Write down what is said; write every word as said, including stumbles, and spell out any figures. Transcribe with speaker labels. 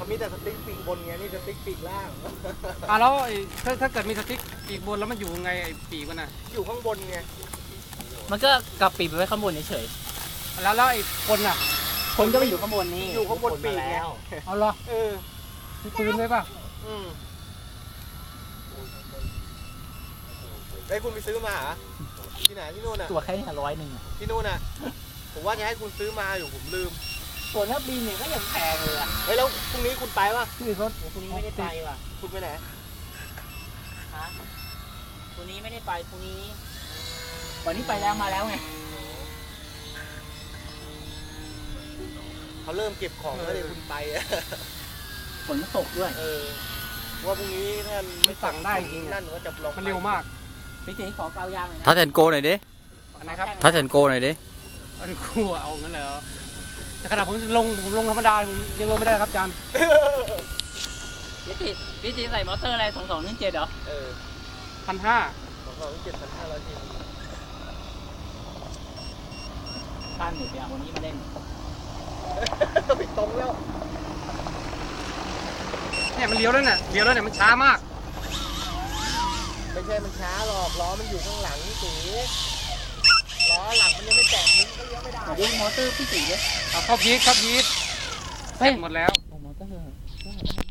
Speaker 1: เขามีแต่สติ๊กปีกบนไงนี่สติ๊กปีกล่าง
Speaker 2: อ่ะแล้วไอ้ถ้าถ้าเกิดมีสติ๊กปีกบนแล้วมันอยู่ไงไอ้ปีกมันน่ะ
Speaker 1: อยู่ข้างบนไง
Speaker 3: มันก็กลับปีกไปไว้ข้างบนเฉย
Speaker 2: แล้วแล้วไอ้คนน่ะ
Speaker 3: ๆคนก็ไปอยู่ข้างบนนี่
Speaker 1: อยู่ข้างบนปีกไง
Speaker 2: เอาเหรอ
Speaker 1: เออ
Speaker 2: มีปืนเลยป่ะ
Speaker 1: อืมได้คุณไปซื้อมาเหรอที่ไหนที่นู่นอ่ะ
Speaker 3: ตัวแค่นี้ร้อยหนึ่ง
Speaker 1: ที่นู่นอ่ะผมว่าจะให้คุณซื้อมาอยู่ผมลืม
Speaker 3: ส่วนนักบินเนี่ยก็ยังแพงเลยอ่ะ
Speaker 1: เฮ้ยแล้วพรุ่งนี้คุณไปป่ะ
Speaker 2: ที่เขา
Speaker 3: พรุ่งนี้ไม่ได้ไปว่ะ
Speaker 1: คุณไปไหน
Speaker 3: ฮะพรุ่งนี้ไม่ได้ไปพรุ่งนี้ วันนี้ไปแล้วมาแล้วไง
Speaker 1: เขาเริ่มเก็บของแล้วเดี๋ยวคุณไปอะ
Speaker 3: ฝนตกด้วย
Speaker 1: เออว่าพรุ่งนี้ท่าน
Speaker 2: ไม่สั่งได้จริงๆ
Speaker 1: นั่
Speaker 2: อะ
Speaker 1: นก็จะลอง
Speaker 2: มันเร็วมาก
Speaker 3: พี่ตีขอเกายางหน่อยนะ
Speaker 4: ทัชแอนโกหน่อยดิ
Speaker 2: อันไหนครับ
Speaker 4: ทัชแอนโกหน่อยดิ
Speaker 2: อันกูอะเอางั้นเลยเหรอแต่ขนาดผมลงผมลงธรรมดาผมยังลงไม่ได้ครับอาจารย์
Speaker 3: พี่ตีพี่ตีใส่มอเตอร์อะไรสองสองหนึ่งเจ็ดเหรอ
Speaker 1: เออ
Speaker 2: พันห้า
Speaker 1: สองสองเจ็ดพันห้าร้อยที
Speaker 3: ท่านเดี๋ยวไปเอาคนนี้มาเล่น
Speaker 1: ไปตรงแล้ว
Speaker 2: เนี่ยมันเลี้ยวแล้วเนี่ยเลี้ยวแล้วเนี่ยมันช้ามาก
Speaker 1: ไม่ใช่มันช้าหรอกล้อมันอยู่ข้างหลังนี่สีล้อหลังมันยังไม่แตกนิ้วก็เลี้ยวไม่ได้
Speaker 3: เดี๋ยวมอเตอร์พี่ตีด้วย
Speaker 2: เอาเข้าพีทเข้าพีทเฮ้ยหมดแล้ว
Speaker 3: โอ้มอเตอร์